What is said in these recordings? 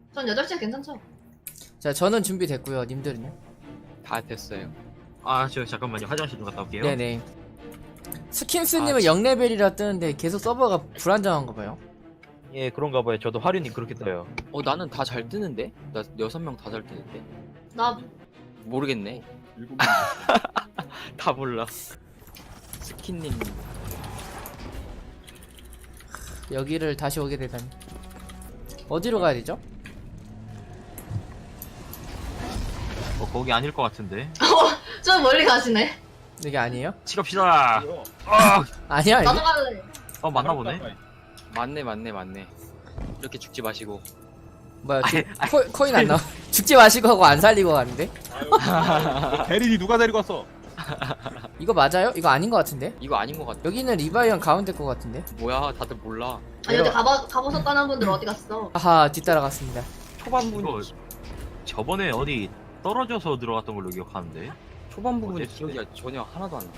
전 8시에 괜찮죠? 자, 저는 준비됐고요. 님들은요? 다 됐어요. 아, 저 잠깐만요. 화장실 좀 갔다 올게요. 네네. 스킨스님은 0레벨이라 뜨는데 계속 서버가 불안정한가 봐요. 예, 그런가 봐요. 저도 화륜이 그렇게 떠요. 나는 다 잘 뜨는데? 나 6명 다 잘 뜨는데? 나 모르겠네. 7명. 다 몰라. 스킨님. 여기를 다시 오게 되다니. 어디로 가야 되죠? 거기 아닐 것 같은데. 좀 멀리 가시네. 여기 아니에요? 치럽시다. 아니야, 나도 여기? 갈래. 맞나 보네. 맞네. 이렇게 죽지 마시고. 뭐야, 코인 안 나와. 죽지 마시고 하고 안 살리고 가는데? 대리니 누가 데리고 왔어? 이거 맞아요? 이거 아닌 것 같은데? 이거 아닌 것 같아. 여기는 리바이언 가운데 것 같은데? 뭐야, 다들 몰라. 아니 근데 가보셨다는 분들 어디 갔어? 아하, 뒤따라갔습니다. 초반 이거 부분, 저번에 어디 떨어져서 들어갔던 걸로 기억하는데. 초반 부분이 어땠지? 기억이 전혀 하나도 안 나.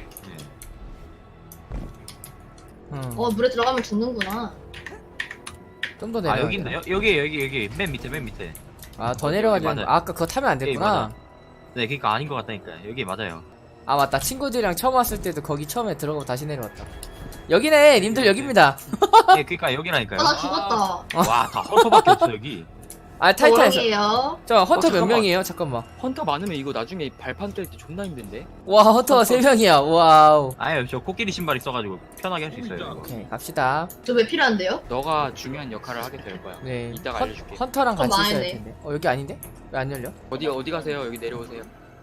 예. 물에 들어가면 죽는구나. 좀 더 아, 내려. 여기 있나요? 여기. 맨 밑에. 아, 더 내려가야 맞아요. 되는 거. 아까 그거 타면 안 예, 됐구나. 맞아. 네, 그니까 아닌 것 같다니까. 여기 맞아요. 아, 맞다. 친구들이랑 처음 왔을 때도 거기 처음에 들어가고 다시 내려왔다. 여기네! 님들 여기입니다. 예, 그니까 여기라니까요. 나 죽었다. 와, 다 헌터밖에 없어 여기. 아, 타이탄에서. 뭐라기에요? 저 헌터 몇 잠깐만. 명이에요? 잠깐만. 헌터 많으면 이거 나중에 발판 뗄 때 존나 힘든데? 와, 헌터가 3명이야. 와우. 아유, 저 코끼리 신발 있어가지고 편하게 할 수 있어요. 이거. 오케이, 갑시다. 저 왜 필요한데요? 너가 중요한 역할을 하게 될 거야. 네. 이따가 알려줄게. 헌터랑 좀 같이 있어야 많네. 할 텐데. 여기 아닌데? 왜 안 열려? 어디 가세요? 여기 내려오세요.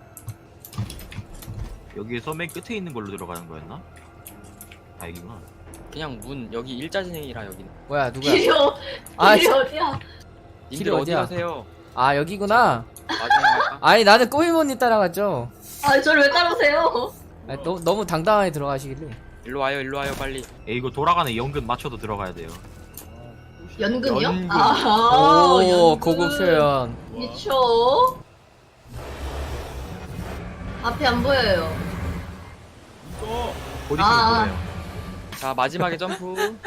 여기에서 맨 끝에 있는 걸로 들어가는 거였나? 아, 여기구나. 그냥 문 여기 일자진행이라 여기는. 뭐야, 누구야? 아, 아, 길이 어디야? 님들 어디 어디야? 가세요? 아, 여기구나. 마지막 할까? 아니, 나는 꼬미모니 따라갔죠. 아, 저를 왜 따르세요? 아니, 너무 당당하게 들어가시길래. 일로 와요 빨리. 예, 이거 돌아가는 연근 맞춰도 들어가야 돼요. 연근이요? 연근. 아, 오, 연근. 고급 표현. 미쳐. 앞이 안 보여요. 있어. 곧 있으면 아. 보여요. 자 마지막에 점프.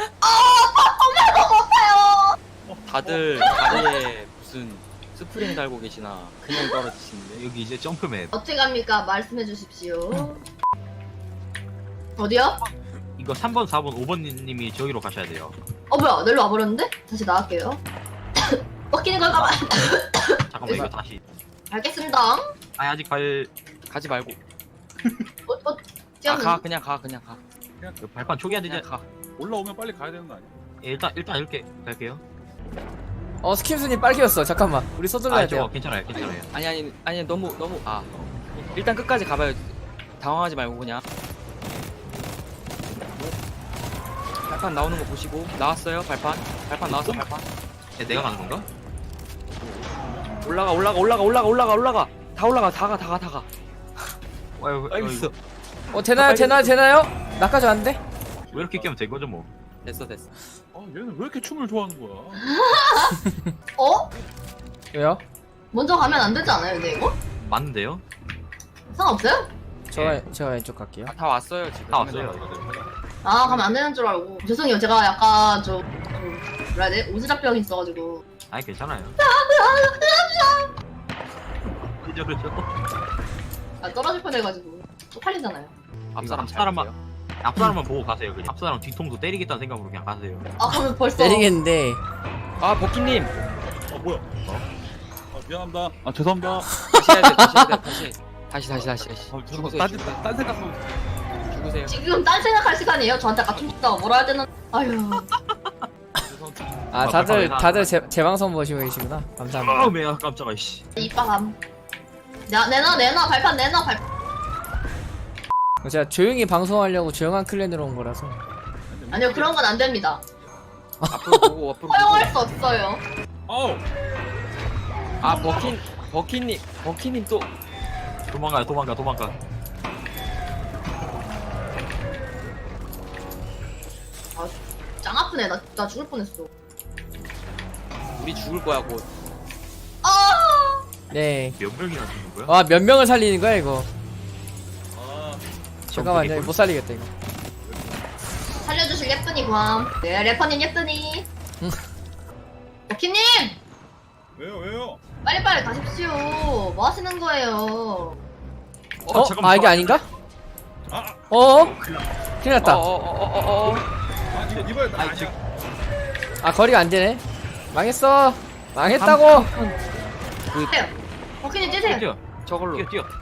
못해요. 다들 다리에 무슨 스프링 달고 계시나 그냥 떨어지시는데. 여기 이제 점프맵. 어떻게 갑니까? 말씀해 주십시오. 어디야? 이거 3번, 4번, 5번 님이 저기로 가셔야 돼요. 뭐야? 내일로 와버렸는데? 다시 나갈게요. 꺾이는 걸까봐. 잠깐만, 이거 다시. 알겠습니다. 아, 아직 가지 말고. 뛰었는데? 그냥 가. 그 발판 초기화 되지. 그냥 가. 올라오면 빨리 가야 되는 거 아니야? 예, 일단 이렇게 갈게요. 스킨스님 빨개졌어. 잠깐만. 우리 서둘러야 아, 돼요. 저거 괜찮아요. 아니 너무 일단 끝까지 가봐요. 당황하지 말고 그냥. 발판 나오는 거 보시고. 나왔어요 발판 나왔어. 발판 예, 내가 가는 건가? 올라가. 다 올라가. 다 가. 빨리 있어. 되나요? 나까지 왔는데? 왜 이렇게 깨면 된 거죠, 뭐. 됐어. 얘는 왜 이렇게 춤을 좋아하는 거야? 왜요? 먼저 가면 안 되지 않아요, 근데 이거? 맞는데요? 상관없어요? 제가 왼쪽 갈게요. 다 왔어요 지금. 다 왔어요. 아, 가면 안 되는 줄 알고. 죄송해요, 제가 약간 뭐라 해야 돼? 오지랖병이 있어가지고. 아니, 괜찮아요. 그죠. 떨어질 뻔해가지고. 쪽팔리잖아요. 앞사람 앞사람만- 잘 앞사람만 보고 가세요, 그냥. 앞사람 뒤통수 때리겠다는 생각으로 그냥 가세요. 그러면 벌써. 때리겠는데. 아 버키님 뭐야? 미안합니다. 죄송합니다. 다시. 죄송합니다. 딴 생각하고. 죽으세요. 지금 딴 생각할 시간이에요? 저한테 아까 춤췄다고 뭐라 할 때는. 아휴. 다들 제 방송 보시고 계시구나. 감사합니다. 매야 깜짝아, 씨. 이빠감. 내놔, 발판 내놔, 발판. 제가 조용히 방송하려고 조용한 클랜으로 온 거라서. 아니요, 그런 건 안 됩니다. 앞으로 보고 허용할 수 없어요. 아우. 아 버키님 또 도망가. 짱 아프네. 나 죽을 뻔했어. 우리 죽을 거야 곧. 네. 몇 명이나 죽는 거야? 와, 몇 명을 살리는 거야, 이거? 아, 잠깐만요. 못 살리겠다, 이거. 살려주실 예쁜이 괌. 네, 래퍼님 예쁜이. 버키님! 왜요? 빨리빨리 가십시오. 뭐 하시는 거예요? 잠깐만, 아 이게 아닌가? 아, 큰일 났다. 아 이거야 나 아니야. 아 거리가 안 되네. 망했어. 망했다고. 떼요. 버키님 찌세요. 뛰어. 저걸로.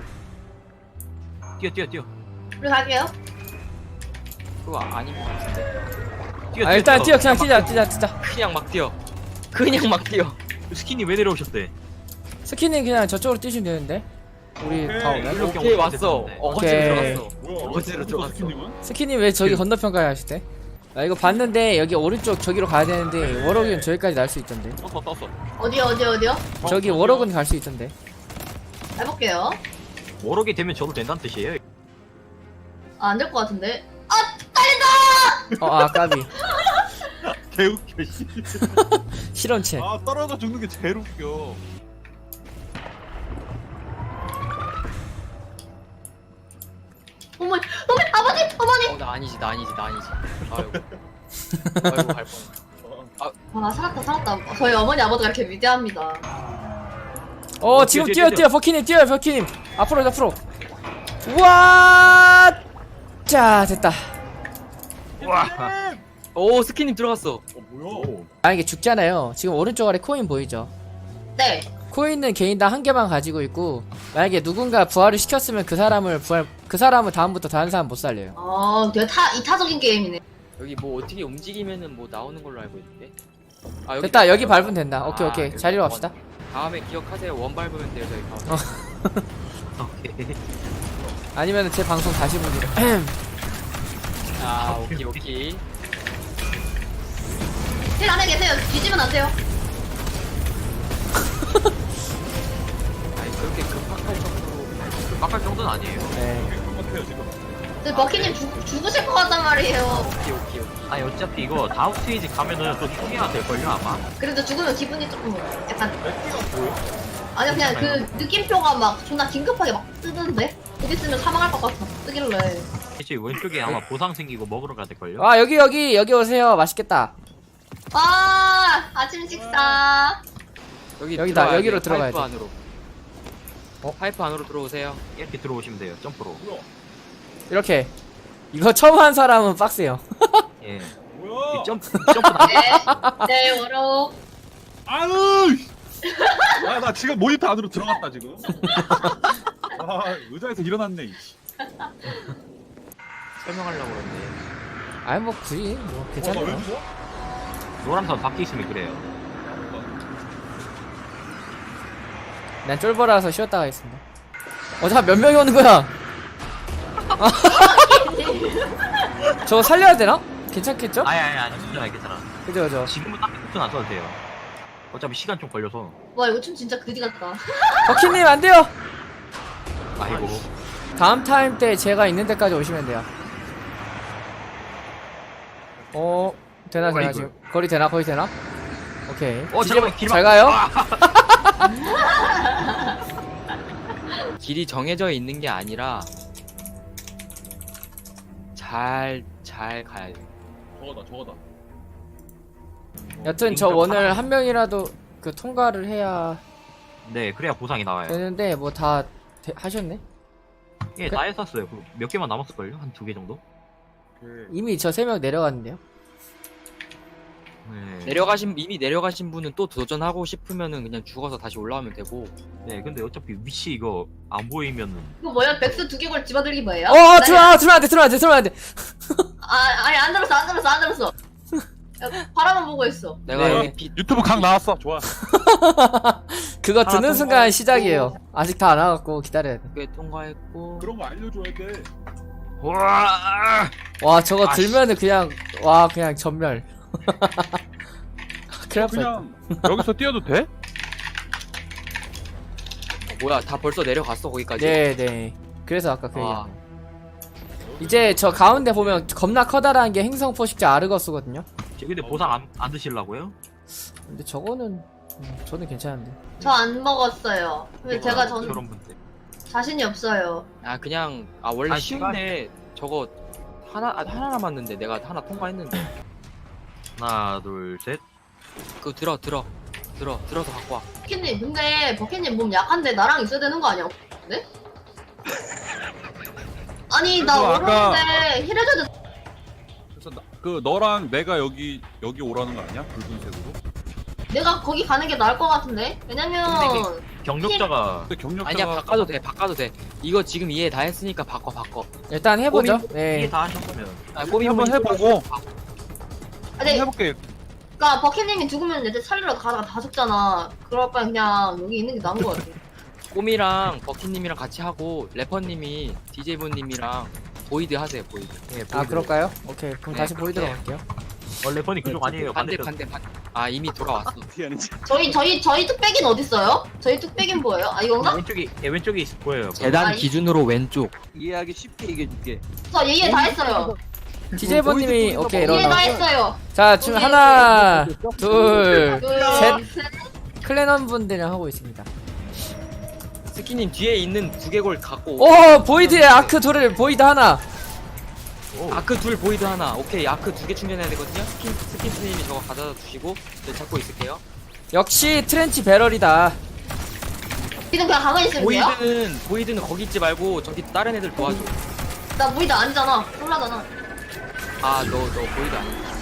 뛰어. 우리 갈게요. 그거 아닌 것 같은데. 아 일단 뛰어 그냥 뛰자. 그냥 막 뛰어. 그냥 막 뛰어. 스킨이 왜 내려오셨대? 스키는 그냥 저쪽으로 뛰시면 되는데. 우리 다 오면. 이렇게 오케이 오시면 왔어. 되는데. 어거지로 오케이. 들어갔어. 뭐야? 어거지로 들어갔어. 스키님은? 스키님 왜 저기 건너편까지 하시대? 나 이거 봤는데 여기 오른쪽 저기로 가야 되는데 워럭은 저기까지 날 수 있던데. 떴어. 어디요? 저기 워럭은 갈 수 있던데. 해볼게요. 워럭이 되면 저도 된다는 뜻이에요. 아, 안 될 것 같은데. 아, 딸린다! 까비. 개웃겨 씨. 실험체. 아 떨어져 죽는 게 제일 웃겨. 어머니, 어머니! 나 아니지. 아이고. 아이고 갈 뻔. 아, 살았다. 저희 어머니, 아버지가 이렇게 위대합니다. 지금 뛰어. 뛰어 버키님 뛰어요 버키님. 앞으로. 우와. 자 됐다. 와. 오 스키님 들어갔어. 뭐야? 만약에 죽잖아요. 지금 오른쪽 아래 코인 보이죠? 네. 코인은 개인당 한 개만 가지고 있고 만약에 누군가 부활을 시켰으면 그 사람은 다음부터 다른 사람 못 살려요. 되게 이타적인 게임이네. 여기 뭐 어떻게 움직이면은 뭐 나오는 걸로 알고 있는데. 아 됐다 여기 밟으면 된다. 오케이 자리로 갑시다. 다음에 기억하세요. 원 밟으면 돼요 저희 가운데. 오케이. 아니면 제 방송 다시 보기. 아 오케이. 힐 안에 계세요. 뒤지면 안 돼요. 아니 그렇게 빡할 정도는 아니에요. 네. 똑같아요 지금. 근데 버키님 죽으실 것 같단 말이에요. 오케이. 아니 어차피 이거 다음 스테이지 가면은 또 총이가 될걸요 아마? 그래도 죽으면 기분이 조금 약간. 맥기가 뭐야? 아니요, 그냥 그 느낌표가 막 존나 긴급하게 막 뜨던데? 곧 있으면 사망할 것 같아. 뜨길래. 대체 왼쪽에 아마 보상 생기고 먹으러 가야 될걸요? 아 여기 오세요. 맛있겠다. 아침 식사. 여기다, 들어와야 여기로 돼, 들어가야 파이프 돼. 안으로. 파이프 안으로 들어오세요. 이렇게 들어오시면 돼요 점프로. 뭐야? 이렇게. 이거 처음 한 사람은 빡세요. 예. 뭐야? 이 점프 나. 네, 워로. 아유! 나 지금 모니터 안으로 들어갔다 지금. 아 의자에서 일어났네. 이씨. 설명하려고 그러는데. 아니 뭐 굳이 뭐 나왜 괜찮아요. 무서워? 노란선 밖에 있으면 그래요. 난 쫄보라서 쉬었다 가겠습니다. 잠깐 몇 명이 오는 거야? 저거 살려야 되나? 괜찮겠죠? 아니 괜찮아. 그죠. 지금은 딱히 쿠션 안 써도 돼요. 어차피 시간 좀 걸려서. 와, 이거 춤 진짜 그지 같다. 버키님 안 돼요. 아이고. 다음 타임 때 제가 있는 데까지 오시면 돼요. 되나 어이구. 지금 거리 되나 거의 되나? 오케이. 잠깐만 길 잘 가요. 길이 정해져 있는 게 아니라 잘 가야 돼. 저거다. 여튼 저 오늘 한 명이라도 그 통과를 해야 네, 그래야 보상이 나와요. 되는데 뭐 다 하셨네? 예, 다 했었어요. 몇 개만 남았을걸요? 한 2개 정도? 이미 저 3명 내려갔는데요. 네. 이미 내려가신 분은 또 도전하고 싶으면은 그냥 죽어서 다시 올라오면 되고. 네, 근데 어차피 위치 이거 안 보이면은. 이거 뭐야? 백스 두개골 집어들기 뭐예요? 들어면 안 돼. 아니, 안 들었어. 야, 바라만 보고 있어. 내가 네. 여기 빛 유튜브 강 나왔어. 좋아. 그거 하나 듣는 순간 시작이에요. 아직 다 안 와갖고 기다려야 돼. 꽤 통과했고. 그런 거 알려줘야 돼. 와! 와 저거 아, 들면은 그냥 그냥 전멸. 큰일 날 그냥 여기서 뛰어도 돼? 뭐야 다 벌써 내려갔어 거기까지. 네네. 그래서 아까 그 아. 얘기한 거. 이제 저 가운데 보면 겁나 커다란 게 행성 포식자 아르거스거든요. 근데 보상 안 드시려고요? 근데 저거는 저는 괜찮은데. 저 안 먹었어요. 근데 제가 저런 전 분들. 자신이 없어요. 그냥 원래 아니, 쉬운데 저거 하나 남았는데 내가 하나 통과했는데. 하나, 둘, 셋. 그거 들어. 들어서 갖고 와. 버킷님 근데 버킷님 몸 약한데 나랑 있어야 되는 거 아니야? 네? 아니 나 그래서 아까- 어려운데 힐해줘도 그래서 그 너랑 내가 여기 오라는 거 아니야? 붉은색으로? 내가 거기 가는 게 나을 것 같은데? 왜냐면 경력자가 근데 경력자가 아니야 바꿔도 돼. 이거 지금 이해 다 했으니까 바꿔. 일단 해보죠. 이해 네. 다 하셨으면 아, 꼬미 한번 부분이 해보고 아니 해볼게. 그니까 버킷님이 죽으면 애들 살리러 가다가 다 죽잖아. 그럴 바에 그냥 여기 있는 게 나은 것 같아. 꼬미랑 버킷님이랑 같이 하고 래퍼님이 DJ분님이랑 보이드 하세요 보이드. 예, 아 그럴까요? 오케이 그럼 네, 다시 보이도록 네. 할게요. 원래 펀이 그쪽 아니에요. 반대. 반대쪽. 아 이미 돌아왔어. 저희 뚝배기는 어딨어요? 저희 뚝배기는 뭐예요? 아 이건가? 왼쪽에 있을 거예요. 재단 아, 이- 기준으로 왼쪽. 이해하기 쉽게 얘기해줄게. 저 예예 다 했어요. DJ버님이 오케이 이해 다 일어나. 했어요. 자 지금 오케이. 하나, 둘, 셋. 클랜원 분들이랑 하고 있습니다. 스키님 뒤에 있는 두개골 갖고 오. 오 보이드의 아크 둘을 보이드 하나. 아크 둘 보이드 하나. 오케이 아크 2개 충전해야 되거든요. 스킨스님이 저거 가져다 주시고 저 잡고 있을게요. 역시 트렌치 배럴이다. 지금 그냥 가만히 있으면 돼요? 보이드는 거기 있지 말고 저기 다른 애들 도와줘. 나 무이다 아니잖아. 콜라잖아. 아 너 보이드 아니야.